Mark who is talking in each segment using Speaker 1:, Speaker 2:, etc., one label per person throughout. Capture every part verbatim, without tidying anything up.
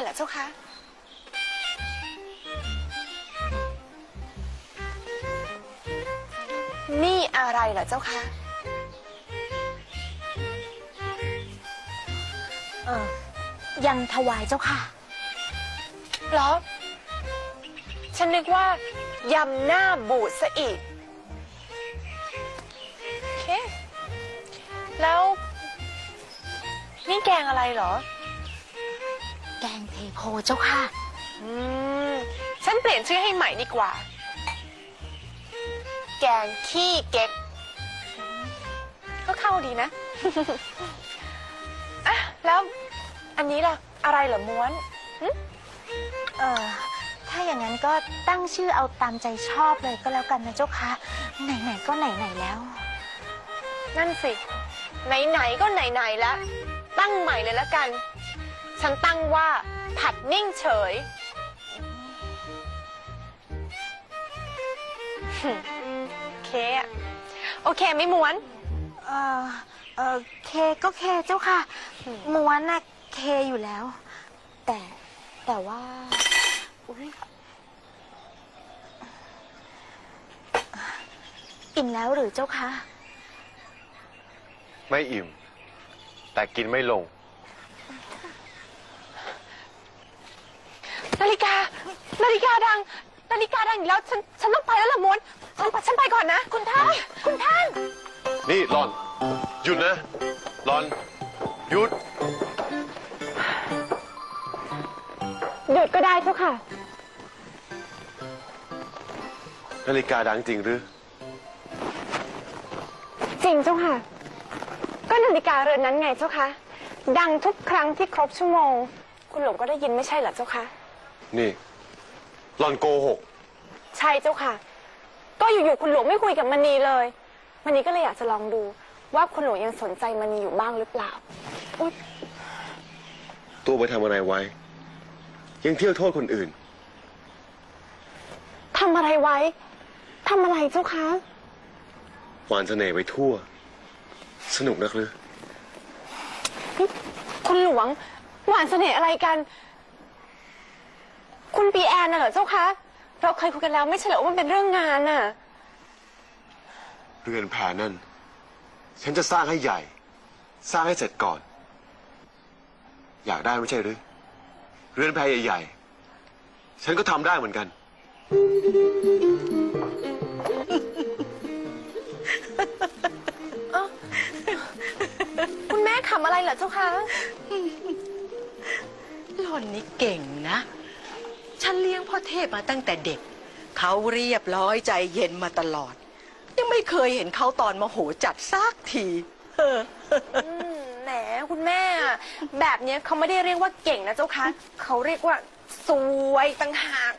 Speaker 1: เหรอเจ้าคะนี่อะไรเหรอเจ้าคะ
Speaker 2: เออยังถวายเจ้าค่ะ
Speaker 1: เหรอฉันนึกว่ายำหน้าบูดซะอีกโอเคแล้วนี่แกงอะไรเหรอ
Speaker 2: แกงเทโพเจ้าค่ะ
Speaker 1: อืมฉันเปลี่ยนชื่อให้ใหม่ดีกว่าแกงขี้เก๊กก็เข้าดีนะ อ่ะแล้วอันนี้ล่ะอะไรเหรอม้วน
Speaker 2: เออถ้าอย่างนั้นก็ตั้งชื่อเอาตามใจชอบเลยก็แล้วกันนะเจ้าค่ะไหนๆก็ไหนๆแล้ว
Speaker 1: นั่นสิไหนๆก็ไหนๆแล้วตั้งใหม่เลยละกันฉันตั้งว่าผัดนิ่งเฉยโอเคอะโอเคไม่ม้วน
Speaker 2: เออเออเคก็เคเจ้าค่ะม้วนน่ะเคอยู่แล้ว แต่แต่ว่าอุ๊ยอิ่มแล้วหรือเจ้าคะ
Speaker 3: ไม่อิ่มแต่กินไม่ลง
Speaker 1: นาฬิกานาฬิกาดังนาฬิกาดังอีกแล้วฉันฉันต้องไปแล้วล่ะม้วนฉันฉันไปก่อนนะคุณท่านคุณท่าน
Speaker 3: นี่หลอนหยุดนะหลอนหยุด
Speaker 1: หยุดก็ได้เจ้าค่ะ
Speaker 3: นาฬิกาดังจริงหรือ
Speaker 1: จริงเจ้าค่ะก็นาฬิกาเรือนนั้นไงเจ้าค่ะดังทุกครั้งที่ครบชั่วโมงคุณหลวงก็ได้ยินไม่ใช่เหรอเจ้าค่ะ
Speaker 3: นี่หลอนโกหก
Speaker 1: ใช่เจ้าค่ะก็อยู่ๆคุณหลวงไม่คุยกับมณีเลยมณีก็เลยอยากจะลองดูว่าคุณหลวงยังสนใจมณีอยู่บ้างหรือเปล่าอุ๊ย
Speaker 3: ตัวไปทำอะไรไว้ยังเที่ยวโทษคนอื่น
Speaker 1: ทำอะไรไว้ทำอะไรเจ้าคะ
Speaker 3: หวานเสน่ห์ไปทั่วสนุกนักหรือ
Speaker 1: คุณหลวงหวานเสน่ห์อะไรกันคุณปีแอนน่ะเหรอเจ้าคะเราเคยคุยกันแล้วไม่ใช่เหรอว่ามันเป็นเรื่องงานน่ะ
Speaker 3: เรือนแพนั่นฉันจะสร้างให้ใหญ่สร้างให้เสร็จก่อนอยากได้ไม่ใช่หรือเรือนแพใหญ่ๆฉันก็ทำได้เหมือนกัน
Speaker 1: คุณแม่ขำอะไรเหรอเจ้าคะ
Speaker 4: หล่อนนี่เก่งนะฉันเลี้ยงพ่อเทพมาตั้งแต่เด็กเขาเรียบร้อยใจเย็นมาตลอดยังไม่เคยเห็นเขาตอนโมโหจัดซากที
Speaker 1: แหมคุณแม่แบบนี้เขาไม่ได้เรียกว่าเก่งนะเจ้าคะเขาเรียกว่าสวยต่างหาก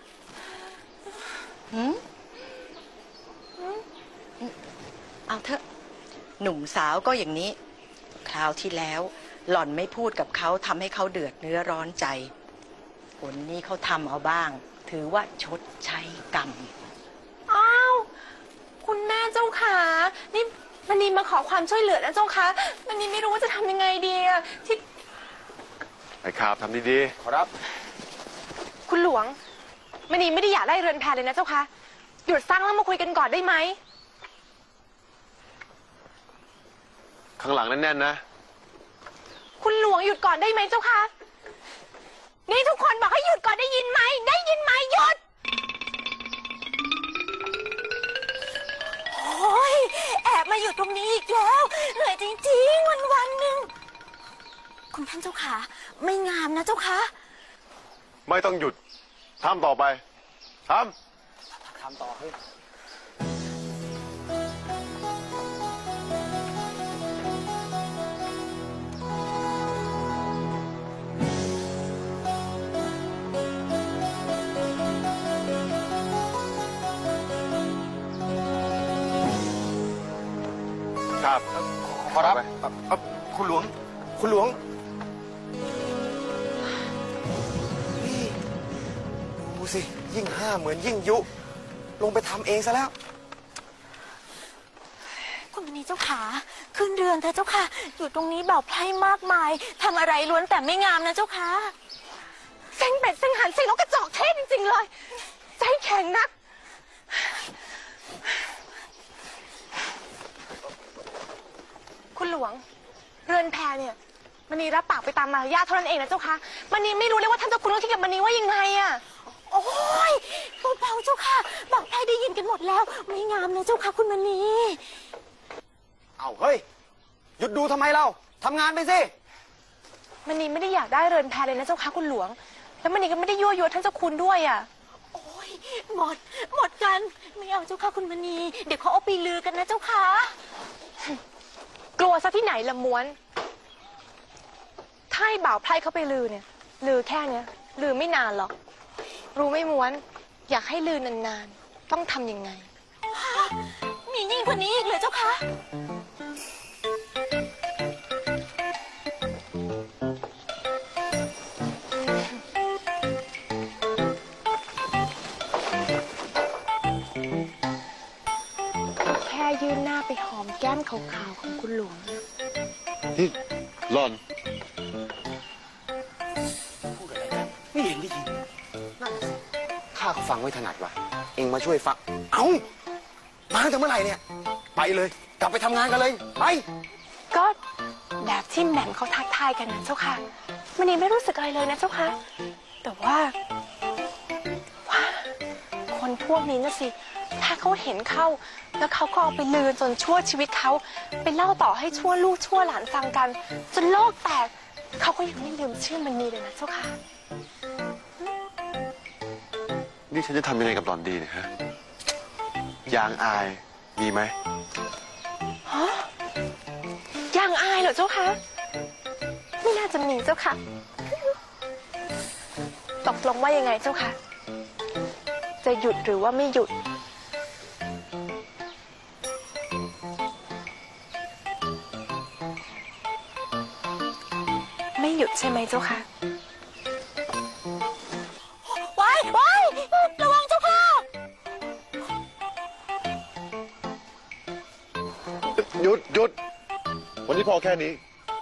Speaker 4: เอาเถอะหนุ่มสาวก็อย่างนี้คราวที่แล้วหล่อนไม่พูดกับเขาทำให้เขาเดือดเนื้อร้อนใจผลนี้เขาทำเอาบ้างถือว่าชดใช้กรรม
Speaker 1: อ้าวคุณแม่เจ้าขานี่มันนีมาขอความช่วยเหลือนะเจ้าคะมันนีไม่รู้ว่าจะทำยังไงดีอะที่
Speaker 3: ไอ้ข่าวทำดีๆขอรับ
Speaker 1: คุณหลวงมันนีไม่ได้อยากได้เรือนแพเลยนะเจ้าคะหยุดสร้างแล้วมาคุยกันก่อนได้ไหม
Speaker 3: ข้างหลังแน่นๆนะ
Speaker 1: คุณหลวงหยุดก่อนได้ไหมเจ้าคะนี่ทุกคนบอกให้หยุดก่อนได้ยินไหมได้ยินไหมหยุดโอ้ยแอบมาอยู่ตรงนี้อีกแล้วเหนื่อยจริงๆวันวันหนึ่ง
Speaker 2: คุณท่านเจ้าค่ะไม่งามนะเจ้าค่ะ
Speaker 3: ไม่ต้องหยุดทำต่อไปทำทำต่อให้ครับ
Speaker 5: ขอรับคุณหลวงคุณหลวงนี่ดูสิยิ่งห้าเหมือนยิ่งยุลงไปทำเองซะแล้ว
Speaker 2: คุณมณีเจ้าขาขึ้นเรือนเธอเจ้าค่ะอยู่ตรงนี้เบาไพร่มากมายทำอะไรล้วนแต่ไม่งามนะเจ้าค่ะเซ็งเป็ดเซ็งหันเซ็งนกกระจอกเทศจริงๆเลย ใจแข็งนัก คุณหลวง เรือนแพเนี่ยมณีรับปากไปตามมารยาทเท่านั้นเองนะเจ้าคะมณีไม่รู้เลยว่าท่านเจ้าคุณต้องคิดกับมณีว่ายังไงอะโอ้ยเบาๆเจ้าค่ะบอกใครได้ยินกันหมดแล้ว ไม่งามเลยเจ้าค่ะคุณมณี
Speaker 5: เอาเฮ้ย หยุดดูทำไมเราทำงานไปสิ
Speaker 2: มณีไม่ได้อยากได้เรือนแพเลยนะเจ้าค่ะคุณหลวง แล้วมณีก็ไม่ได้ยั่วยวนท่านเจ้าคุณด้วยอะโอ้ยหมด หมดกัน ไม่เอาเจ้าค่ะคุณมณีเดี๋ยวเขาเอาไปลือกันนะเจ้าค่ะ กลัวซะที่ไหนละม้วนถ้าให้บ่าวไพร่เขาไปลือเนี่ยลือแค่เนี้ยลือไม่นานหรอก รู้ไหมม้วน อยากให้ลือนานๆต้องทำยังไง มียิ่งกว่านี้อีกเลยเจ้าคะแค่ยื่นหน้าไปหอมแก้มขาวๆของคุณหลวง
Speaker 3: นี่หล่อน
Speaker 5: พูดอะไรกันไม่เห็นได้ยินนั่นสิข้าก็ฟังไม่ถนัดว่ะ เองมาช่วยฟัง เอ้า มาตั้งแต่เมื่อไหร่เนี่ย ไปเลย กลับไปทำงานกันเลย ไป
Speaker 2: ก็แบบที่แหม่มเขาทักทายกันนะเจ้าค่ะมันนี่ไม่รู้สึกอะไรเลยนะเจ้าค่ะ แต่ว่าว่า คนพวกนี้นะสิ ถ้าเขาเห็นเข้า แล้วเขาก็เอาไปลือจนชั่วชีวิตเขาไปเล่าต่อให้ชั่วลูกชั่วหลานฟังกัน จนโลกแตกเขาก็ยังไม่ลืมชื่อมันนีเลยนะเจ้าค่ะ
Speaker 3: นี่ฉันจะทำยังไงกับหล่อนดีเนี่ยฮะ ยางอายมีไหม
Speaker 2: ยังอายเหรอเจ้าคะไม่น่าจะมีเจ้าค่ะตกลงว่ายังไงเจ้าค่ะจะหยุดหรือว่าไม่หยุด ไม่หยุดใช่ไหมเจ้าค่ะว้ายว้ายระวังเจ้าค่ะ
Speaker 3: หยุดหยุด วันนี้พอแค่นี้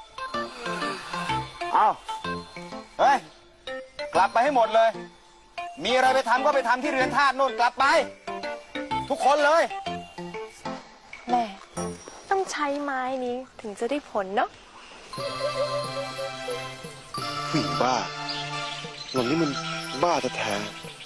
Speaker 5: เอาเฮ้ย กลับไปให้หมดเลย มีอะไรไปทำก็ไปทำที่เรือนธาตุโน่นกลับไป ทุกคนเลย
Speaker 2: แม่ต้องใช้ไม้นี้ถึงจะได้ผลเนาะ
Speaker 3: ผู้หญิงบ้า หล่อนนี่มันบ้าแท้ๆ